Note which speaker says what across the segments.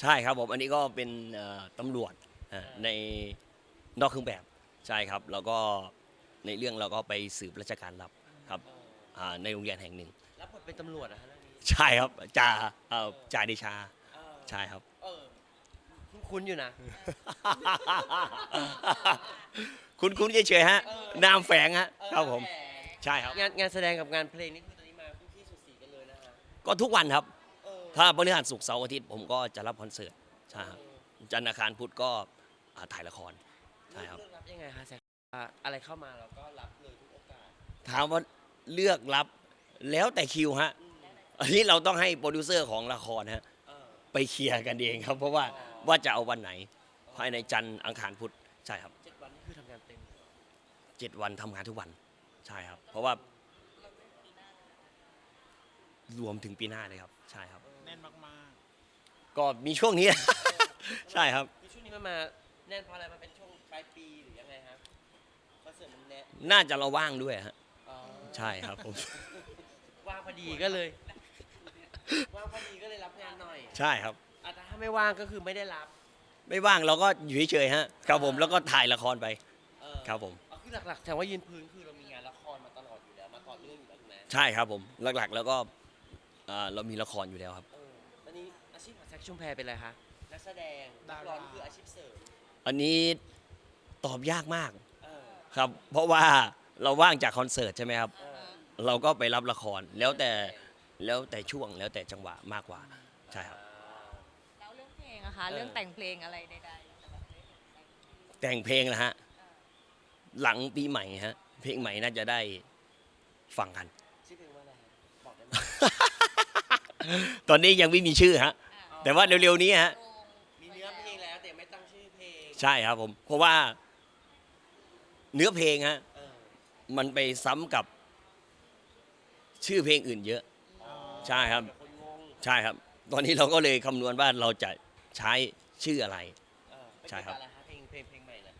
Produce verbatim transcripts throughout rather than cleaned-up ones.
Speaker 1: ใช่ครับผมอันนี้ก็เป็นตำรวจในนอกเครื่องแบบใช่ครับแล้วก็ในเรื่องเราก็ไปสืบราชการลับครับในโรงเรียนแห่งหนึ่ง
Speaker 2: รับบทเป็นตำรวจนะฮะเรื่องนี้
Speaker 1: ใช่ครับจ่าจ่าเดชาใช่ครับ
Speaker 2: คุ้นๆอยู่นะ
Speaker 1: คุณคุณเฉยๆฮะนามแฝงฮะครับผมใช่ครับ
Speaker 2: งานงานแสดงกับงานเพลงนี่คือตอนนี้มาคู่ขี้สุดสีกันเลยนะฮะ
Speaker 1: ก็ทุกวันครับถ้าพฤหัสศุกร์เสาร์อาทิตย์ผมก็จะรับคอนเสิร์ตใช่ครับจันทร์อังคารพุธก็ถ่ายละครใช่ครับ
Speaker 2: เลือกรับยังไงคะแซคอะไรเข้ามาเราก็รับเลยทุกโอกาส
Speaker 1: ถามว่าเลือกรับแล้วแต่คิวฮะอันนี้เราต้องให้โปรดิวเซอร์ของละครฮะไปเคลียร์กันเองครับเพราะว่าว่าจะเอาวันไหนภายในจันทร์อังคารพุธใช่ครับ
Speaker 2: เจ็ดวันนี่คือทำงานเต็ม
Speaker 1: เจ็ดวันทำงานทุกวันใช่ครับเพราะว่ารวมถึงปีหน้าเลยครับใช่ครับ
Speaker 3: แน่นมาก
Speaker 1: ๆก็มีช่วงนี้ใช่ครับ
Speaker 2: ช่วงนี้มันมาแน่นเพราะอะไรมันเป็นช่วงปลายปีหรือยังไงครับคอนเสิร์ตมันแน่
Speaker 1: น่าจะเราว่างด้วยฮะใช่ครับผม
Speaker 2: ว่างพอดีก็เลยว่างพอดีก็เลยรับงานหน่อย
Speaker 1: ใช่ครับ
Speaker 2: แต่ถ้าไม่ว่างก็คือไม่ได้รับ
Speaker 1: ไม่ว่างเราก็อยู่เฉยๆฮะครับผมแล้วก็ถ่ายละครไปครับผม
Speaker 2: คือหลักๆแต่ว่ายืนพื้นคือเรามีงานละครมาตลอดอยู่แล้วมาต่อเนื่องอยู่แล้วถูกไหม
Speaker 1: ใช่ครับผมหลักๆแล้วก็เรามีละครอยู่แล้วครับ
Speaker 2: ตอนนี้อาชีพของแซคชุมแพเป็นอะไรคะนักแสดงนักร้องคืออาชีพเสริม
Speaker 1: อันนี้ตอบยากมากครับเพราะว่าเราว่างจากคอนเสิร์ตใช่ไหมครับเราก็ไปรับละครแล้วแต่แล้วแต่ช่วงแล้วแต่จังหวะมากกว่าใช่ครับ
Speaker 4: แล้วเรื่องเพลงอะคะเรื่องแต่งเพลงอะไรใด
Speaker 1: ๆแต่งเพลงนะฮะหลังปีใหม่ฮะเพลงใหม่น่าจะได้ฟังกัน
Speaker 2: ชื่อเพลงว่าอะไรบอกได้ไห
Speaker 1: มตอนนี้ยังไม่มีชื่อฮะแต่ว่าเร็วๆนี้ฮะ
Speaker 2: มีเนื้อเพลงแล้วแต่ไม่ตั้งชื่อเพลง
Speaker 1: ใช่ครับผมเพราะว่าเนื้อเพลงฮะมันไปซ้ำกับชื่อเพลงอื่นเยอะใช่ครับใช่ครับตอนนี้เราก็เลยคำนวณว่าเราจะใช้ชื่ออะไรใช่ครับ
Speaker 2: เพลงเพลงเพลงใหม่นะ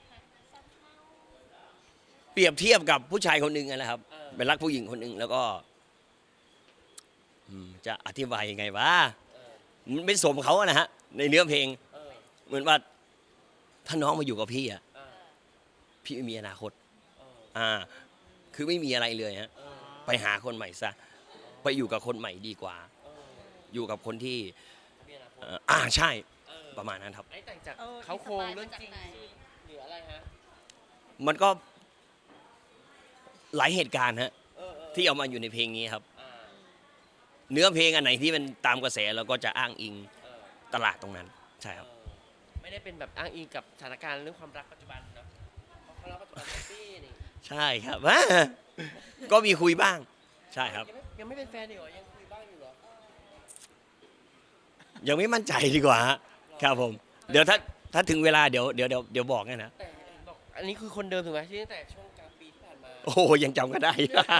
Speaker 1: เปรียบเทียบกับผู้ชายคนหนึ่งนะครับเป็นรักผู้หญิงคนหนึ่งแล้วก็จะอธิบายยังไงวะมันไม่สมเขานะฮะในเนื้อเพลงเหมือนว่าถ้าน้องมาอยู่กับพี่อะพี่ไม่มีอนาคตอ่าคือไม่มีอะไรเลยฮะไปหาคนใหม่ซะไปอยู่กับคนใหม่ดีกว่าอยู่กับคนที่อ่าใช่ประมาณนั้นครับ
Speaker 2: ไอ้แต่งจากเขาโครงเรื่องจริงหรืออะไรฮะ
Speaker 1: มันก็หลายเหตุการณ์ฮะที่เอามาอยู่ในเพลงนี้ครับเนื้อเพลงอันไหนที่มันตามกระแสเราก็จะอ้างอิงตลาดตรงนั้นใช่ครับ
Speaker 2: ไม่ได้เป็นแบบอ้างอิงกับสถานการณ์เรื่องความรักปัจจุบันเนาะความรักปัจจุบันแฮปปี้นี่
Speaker 1: ใช่ครับก็มีคุยบ้างใช่ครับ
Speaker 2: ยังไม่เป็นแฟนอยู่หรอยังคุยบ้างอยู่หรอ
Speaker 1: ยังไม่มั่นใจดีกว่าครับผมเดี๋ยวถ้าถ้าถึงเวลาเดี๋ยวเดี๋ยวเดี๋ยวเดี๋ยวบอกนะ
Speaker 2: แต่บอกอันนี้คือคนเดิมถูกไหมที่ตั้งแต่ช่วงกลางปีที่ผ่านมา
Speaker 1: โอ้ยังจำกันได้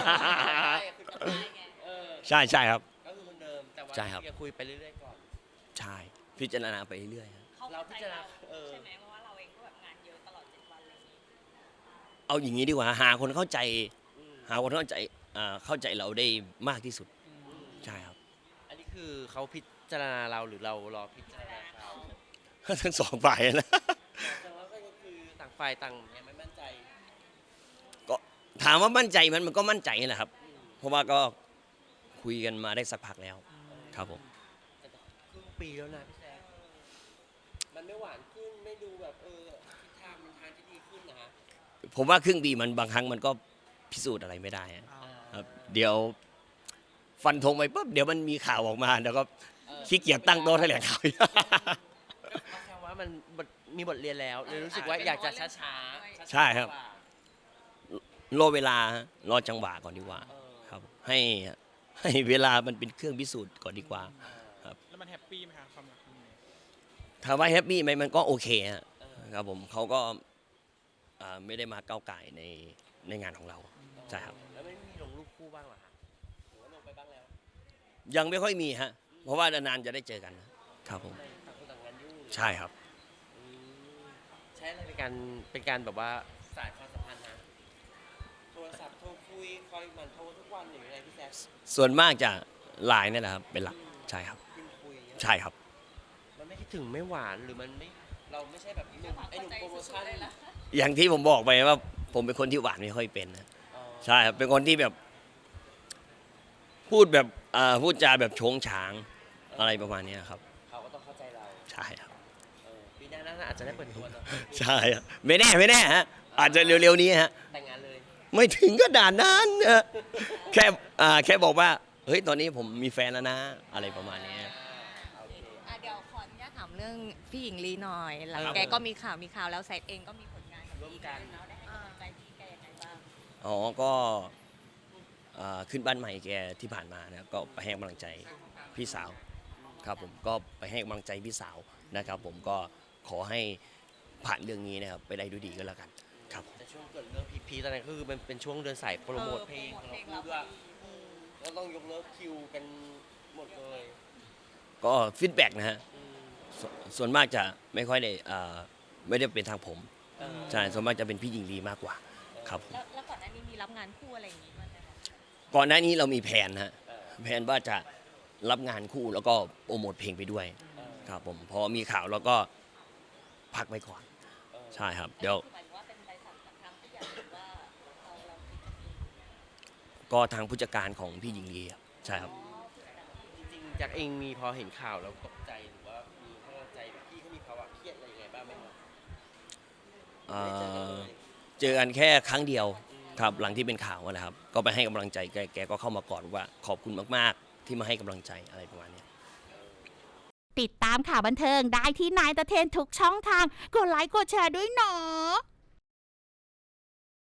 Speaker 1: ใช่ใช่ครับ
Speaker 2: ก็คือคนเดิมแต่ว่ายังคุยไปเรื่อยๆก่อน
Speaker 1: ใช่พิจารณาไปเรื่อย
Speaker 4: ๆเราพิจารณาใช่ไหมเพราะว่าเราเองก็แบบงานเยอะตลอดเจ็ดวันอะไรอย่างนี้
Speaker 1: เอาอย่างนี้ดีกว่าหาคนเข้าใจหาคนเข้าใจเข้าใจเราได้มากที่สุดใช่ครับ
Speaker 2: อันนี้คือเขาพิจารณาเราหรือเรารอพิจารณาเขา
Speaker 1: ทั้งสองฝ่ายนะ
Speaker 2: แต่ว่าก็คือต่างฝ่ายต่างยังไม่มั่นใจ
Speaker 1: ก็ถามว่ามั่นใจมันมันก็มั่นใจแหละครับเพราะว่าก็คุยกันมาได้สักพักแล้วครับผม
Speaker 2: ครึ่งปีแล้วนะพี่แซคมันไม่หวานขึ้นไม่ดูแบบเออทิศทางมันทางที่ดีขึ้นนะฮะ
Speaker 1: ผมว่าครึ่งปีมันบางครั้งมันก็พิสูจน์อะไรไม่ได้ครับเดี๋ยวฟันธงไปปุ๊บเดี๋ยวมันมีข่าวออกมาแล้วก็ขี้เกียจตั้งโต๊ะแถลงข่าว
Speaker 2: แค่ว่ามันมีบทเรียนแล้วเลยรู้สึกว่าอยากจะช้า
Speaker 1: ๆใช่ครับรอเวลารอจังหวะก่อนดีกว่าครับให้ให้เวลามันเป็นเครื่องพิสูจน์ก่อนดีกว่าครับ
Speaker 3: แล้วมันแฮปปี้ไหมครับความรักครั้งนี้
Speaker 1: ถามว่าแฮปปี้ไหมมันก็โอเคครับผมเขาก็ไม่ได้มาก้าวไก่ในในงานของเราใช่ครับ
Speaker 2: แล้วไม่มีลงรูปคู่บ้างหรอฮะหรือว่าลงไปบ้างแล้ว
Speaker 1: ยังไม่ค่อยมีฮะเพราะว่านานๆจะได้เจอกันครับผมใช่ครับ
Speaker 2: ใช้อะไรเป็นการเป็นการแบบว่าสายความสัมพันธ์ฮะโทรศัพท์โทรคุยคอยมันโทรทุกวันหรืออะไรพี่แซค
Speaker 1: ส่วนมากจะไลน์นี่แหละครับเป็นหลักใช่ครับ
Speaker 2: คุย
Speaker 1: ใช่ครับ
Speaker 2: มันไม่ถึงไม่หวานหรือมันไม่เราไม่ใช่แบบหนุ่มไอ้หนุ่มโปรโมชั่น
Speaker 1: อย่างที่ผมบอกไปว่า ผมเป็นคนที่หวานไม่ค่อยเป็นนะ
Speaker 2: อ๋อ
Speaker 1: ใช่ครับเป็นคนที่แบบ พูดแบบอ่าพูดจาแบบโฉงฉางอะไรประมาณเนี้ยครับ
Speaker 2: เขาก็ต้องเข้าใจเรา
Speaker 1: ใช่ครับ
Speaker 2: เออปีหน้าน่าอาจจะได้เปิดตัวเนอะ
Speaker 1: ใช่ครับไม่แน่ไม่แน่ฮะอาจจะเร็วๆนี้ฮะ
Speaker 2: แต่งงานเลย
Speaker 1: ไม่ถึงก็ด่านนั้นนะแค่อ่าแค่บอกว่าเฮ้ยตอนนี้ผมมีแฟนแล้วนะ อะไรประมาณเนี้ย
Speaker 2: โอเค
Speaker 4: อ่ะเดี๋ยวขออนุญาตถามเรื่องพี่หญิงลีหน่อย หลัง
Speaker 1: ครับ
Speaker 4: แกก็มีข่าวมีข่าวแล้วแซดเองก็มีผลงานกับ
Speaker 2: ร่วม
Speaker 4: พี่
Speaker 2: กัน
Speaker 4: เนาะได้ให้กำลังใจพี่แกยังไงบ้าง
Speaker 1: อ๋อก็อ่าขึ้นบ้านใหม่แกที่ผ่านมานะครับก็ไปให้กำลังใจพี่สาวครับผมก็ไปให้กำลังใจพี่สาวนะครับ ผมก็ขอให้ผ่านเรื่องนี้นะครับไปได้ด้วยดีก็แล้วกันครับ
Speaker 2: แต่ช่วงเกิดเรื่องพีคๆตอนนั้นก็คือมันเป็นช่วงเดินสายโปรโมทเพลงของเราคู่ด้วยก็ต้องยกเลิกคิวกันหมดเลย
Speaker 1: ก็ฟีดแบ็กนะฮะ
Speaker 2: อืม
Speaker 1: สส่วนมากจะไม่ค่อยได้อ่าไม่ได้เป็นทางผม
Speaker 2: เออ
Speaker 1: ใช่ส่วนมากจะเป็นพี่หญิงลีมากกว่าครับผม
Speaker 4: แล้วแล้วก่อนหน้านี้มีรับงานคู่อะไรอย่างงี้บ้างไหมคะ
Speaker 1: ก่อนหน้านี้เรามีแผนนะฮะ
Speaker 2: เออ
Speaker 1: แผนว่าจะรับงานคู่แล้วก็โปรโมทเพลงไปด้วย
Speaker 2: เออ
Speaker 1: ครับผมพอมีข่าวเราก็พักไว้ก่อน
Speaker 2: เออ
Speaker 1: ใช่ครับ เดี๋ยว
Speaker 4: หมายถึงว่าเป็นใบสั่งจากทางผู้ใหญ่หรือว่าเราเราคิดกันเอง
Speaker 1: ก็ทางผู้จัดการของพี่หญิงลีครับใช่ครับ
Speaker 2: จริงๆจากเองมีพอเห็นข่าวแล้วตกใจหรือว่ามีกำลังใจแบบพี่เขามีภาวะเครียดอะไรยังไงบ้างไหมครับ
Speaker 1: เอ่
Speaker 2: ไม่ได้เจอกัน
Speaker 1: อ
Speaker 2: เลย
Speaker 1: เจอกันแค่ครั้งเดียวครับหลังที่เป็นข่าวนะครับ ก็ไปให้กำลังใจแกแกก็เข้ามากอดว่าขอบคุณมากๆ ที่มาให้กำลังใจอะไรประมาณเนี้ย
Speaker 5: ติดตามข่าวบันเทิงได้ที่นายตะเทนทุกช่องทาง กดไลค์กดแชร์ด้วยเนาะ